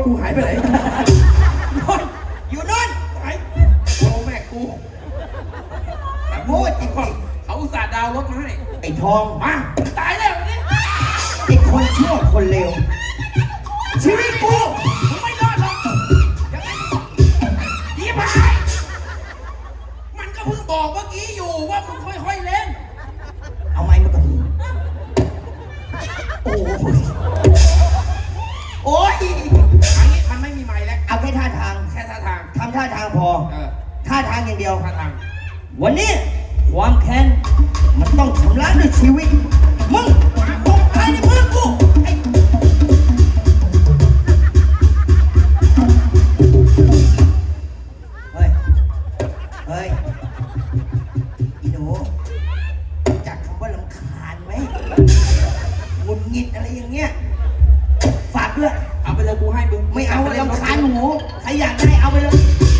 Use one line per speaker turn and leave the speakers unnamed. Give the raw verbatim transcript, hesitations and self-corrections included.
กูหายไปไหนนอนอยู่นอนหายโอ้แม่กูแต่โง่จริงๆเขาอุตส่าห์ดาวรถมาให้ไอ้ทองมาตายแล้วนี่ไอ้คนชั่วคนเลวชีวิตกูมึงไม่รอดหรอกยังไงยี่บายมันก็เพิ่งบอกเมื่อกี้อยู่ว่ามึงค่อยๆเล่นเอาไม้มาก่อนโอ้โอ้ยอันนี้มันไม่มีไม้แล้วเอาแค่ท่าทางแค่ท่าทางทำท่าทางพอท่าทางอย่างเดียวท่าทางวันนี้ความแค้นมันต้องชำระด้วยชีวิตมึงตกตายในมือกูไอ้เฮ้ยเฮ้ยอีหนูจักคำว่ารำคาญไหมหงุดหงิดอะไรอย่างเงี้ยฝากด้วยเอาไปเลยกูให้มึงไม่เอารำคาญหนูใครอยากได้เอาไปเลย